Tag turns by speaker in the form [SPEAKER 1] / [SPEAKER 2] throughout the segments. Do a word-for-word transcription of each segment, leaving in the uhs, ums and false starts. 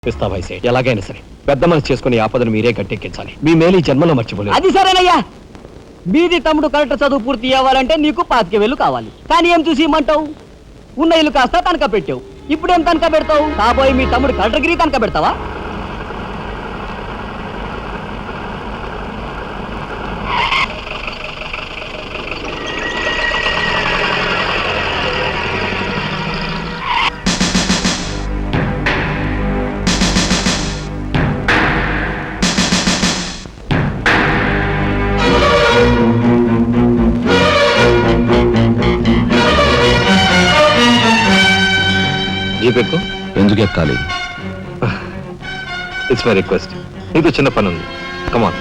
[SPEAKER 1] పిస్తా వయసే ఎలాగైనా సరే పెద్ద మనసు చేసుకుని ఆపదను మీరే గట్టెక్కించాలి. మీ మేలు ఈ జన్మలో మర్చిపోలేదు.
[SPEAKER 2] అది సరేనయ్యా, బీది తమ్ముడు కరెక్ట్ చదువు పూర్తి అవ్వాలంటే నీకు పాతిక వేలు కావాలి. కానీ ఏం చూసి ఇమ్మంటావు? ఉన్న ఇల్లు కాస్త తనక పెట్టావు. ఇప్పుడేం తనక పెడతావు? కాబోయే మీ తమ్ముడు కలెక్టర్గిరి తనక పెడతావా?
[SPEAKER 1] జీపెక్కు
[SPEAKER 3] ఎందుకు ఎక్కాలి?
[SPEAKER 1] It's my request. నీతో చిన్న పని ఉంది. కమాన్.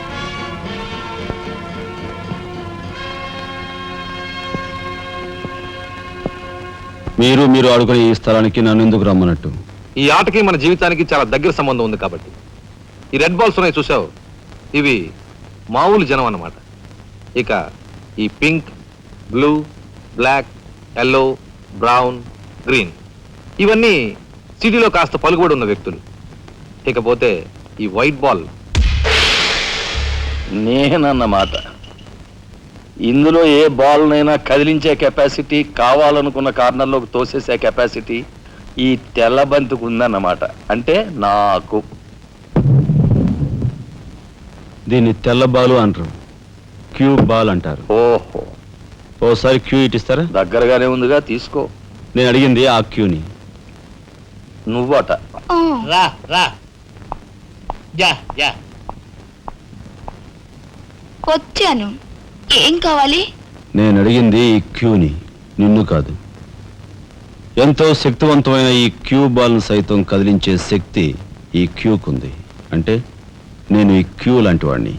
[SPEAKER 3] మీరు మీరు ఆడుకునే ఈ స్థలానికి నన్ను ఎందుకు రమ్మన్నట్టు?
[SPEAKER 1] ఈ ఆటకి మన జీవితానికి చాలా దగ్గర సంబంధం ఉంది కాబట్టి. ఈ రెడ్ బాల్స్ ఉన్నాయి చూసావు, ఇవి మామూలు జనం అన్నమాట. ఇక ఈ pink, blue, black, yellow, brown, green ఇవన్నీ సిటీలో కాస్త పలుకుబడి ఉన్న వ్యక్తులు. ఇకపోతే ఈ వైట్ బాల్
[SPEAKER 4] నేనన్నమాట. ఇందులో ఏ బాల్నైనా కదిలించే కెపాసిటీ, కావాలనుకున్న కార్నర్లోకి తోసేసే కెపాసిటీ ఈ తెల్ల బంతికి ఉందన్నమాట. అంటే నాకు.
[SPEAKER 3] దీన్ని తెల్ల బాలు అంటారు, క్యూ బాల్ అంటారు.
[SPEAKER 4] ఓహో,
[SPEAKER 3] ఓసారి క్యూ ఇటిస్తారా?
[SPEAKER 4] దగ్గరగానే ఉందిగా, తీసుకో.
[SPEAKER 3] నేను అడిగింది ఆ క్యూని.
[SPEAKER 4] నువ్వట.
[SPEAKER 2] రా రా యా యా
[SPEAKER 5] వచ్చాను. ఏం కావాలి?
[SPEAKER 3] నేను అడిగింది ఈ క్యూని, నిన్ను కాదు. ఎంతో శక్తివంతమైన ఈ క్యూ బాల్ను సైతం కదిలించే శక్తి ఈ క్యూకుంది. అంటే నేను ఈ క్యూ లాంటి వాడిని.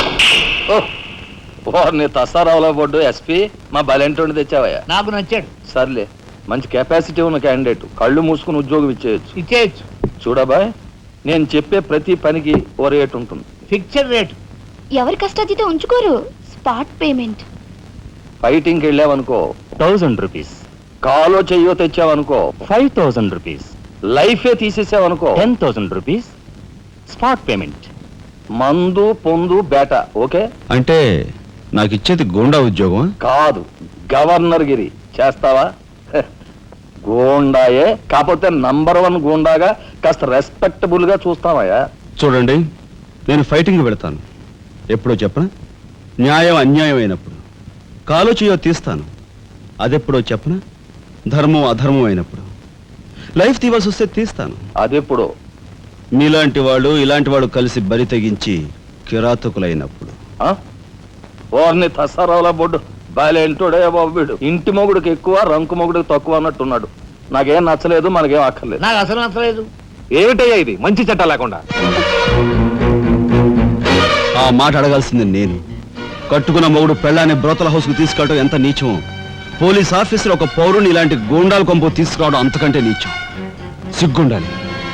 [SPEAKER 4] ఓర్ని తసారావులో పడ్డు ఎస్పీ, మా బలెంటోని తెచ్చావయ్యా.
[SPEAKER 2] నాకు నచ్చాడు.
[SPEAKER 4] సర్లే, మంచి కెపాసిటీ ఉన్న క్యాండిడేట్, కళ్ళు మూసుకుని ఉద్యోగం ఇచ్చేయచ్చు.
[SPEAKER 2] ఇచ్చేయచ్చు.
[SPEAKER 4] చూడబాయ్, నేను చెప్పే ప్రతి పనికి ఓ రేట్ ఉంటుంది.
[SPEAKER 2] Fixed rate.
[SPEAKER 5] ఎవరి కష్టాతీత ఉంచుకోరు. Spot payment.
[SPEAKER 4] ఫైటింగ్కి వెళ్ళావనుకో
[SPEAKER 2] థౌజండ్ రూపీస్.
[SPEAKER 4] కాలో చెయ్యో తెచ్చావనుకో
[SPEAKER 2] ఫైవ్ థౌజండ్ రూపీస్.
[SPEAKER 4] లైఫే తీసేసావనుకో
[SPEAKER 2] ten thousand rupees spot payment.
[SPEAKER 4] మందు పొందు బేట. ఓకే?
[SPEAKER 3] అంటే నాకు ఇచ్చేది గోండా ఉద్యోగం
[SPEAKER 4] కాదు, గవర్నర్ గిరి. చేస్తావా? హె, గోండాయే, కాకపోతే నంబర్ వన్ గోండాగా కాస్త రెస్పెక్టబుల్ గా చూస్తావయ్యా.
[SPEAKER 3] చూడండి, నేను ఫైటింగ్ పెడతాను. ఎప్పుడో చెప్పనా? న్యాయం అన్యాయం అయినప్పుడు. కాలో చేయో తీస్తాను. అదెప్పుడో చెప్పనా? ధర్మం అధర్మం అయినప్పుడు. లైఫ్ తీవాల్సి వస్తే తీస్తాను.
[SPEAKER 4] అదెప్పుడు?
[SPEAKER 3] మీలాంటి వాళ్ళు ఇలాంటి వాడు కలిసి బరి తెగించి కిరాతకులైనప్పుడు.
[SPEAKER 4] ఓర్ని తసారావుల బొడ్డు బాలేంటోడే బాబు వీడు. ఇంటి మొగుడికి ఎక్కువ, రంకు మొగుడికి తక్కువ అన్నట్టున్నాడు. నాకేం నచ్చలేదు, మనకేం అక్కర్లేదు.
[SPEAKER 2] నాకు అసలు నచ్చలేదు.
[SPEAKER 1] ఏమిటయ్యా ఇది మంచి చట్టం లేకుండా?
[SPEAKER 3] ఆ మాట అడగాల్సింది నేను. కట్టుకున్న మొగుడు పెళ్ళాన్ని బ్రోతల హౌస్ కు తీసుకెళ్ళడం ఎంత నీచమో, పోలీస్ ఆఫీసర్ ఒక పౌరుని ఇలాంటి గూండాల కొంపు తీసుకురావడం అంతకంటే నీచం. సిగ్గుండాలి.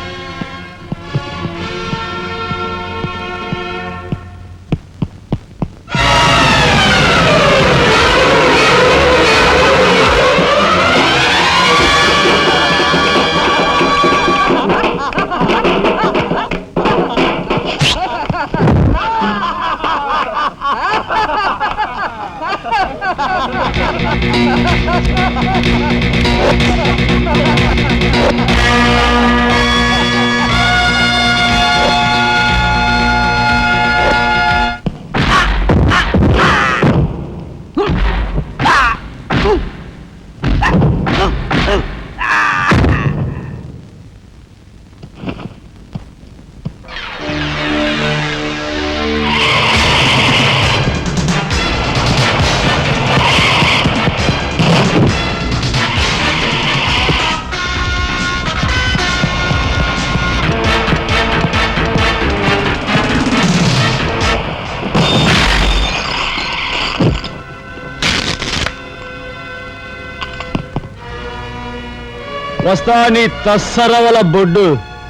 [SPEAKER 3] వస్తా నీ తస్సరవల బొడ్డు.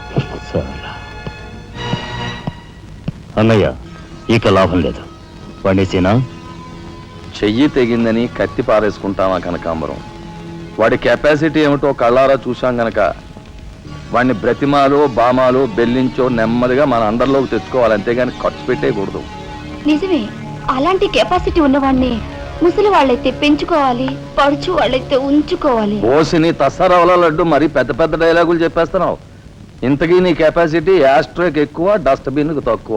[SPEAKER 2] అన్నయ్య, ఇక లాభం లేదు. పండేసేనా?
[SPEAKER 4] చెయ్యి తెగిందని కత్తి పారేసుకుంటామా కనకాంబరం? వాడి కెపాసిటీ ఏమిటో కళ్ళారా చూశాం గనక వాడిని బ్రతిమాలో బామాలో బెల్లించో నెమ్మదిగా మన అండర్లోకి తెచ్చుకోవాలి, అంతేగాని ఖర్చు పెట్టేయకూడదు.
[SPEAKER 5] నిజమే, అలాంటి కెపాసిటీ ఉన్నవాడిని ముసలి వాళ్ళైతే పెంచుకోవాలి, పడుచు వాళ్ళైతే ఉంచుకోవాలి.
[SPEAKER 4] ఓసిని తసారావుల లడ్డు మరి పెద్ద పెద్ద డైలాగులు చెప్పేస్తున్నావు. ఇంతకీ నీ కెపాసిటీ యాస్ట్రోకి ఎక్కువ, డస్ట్బిన్కి తక్కువ.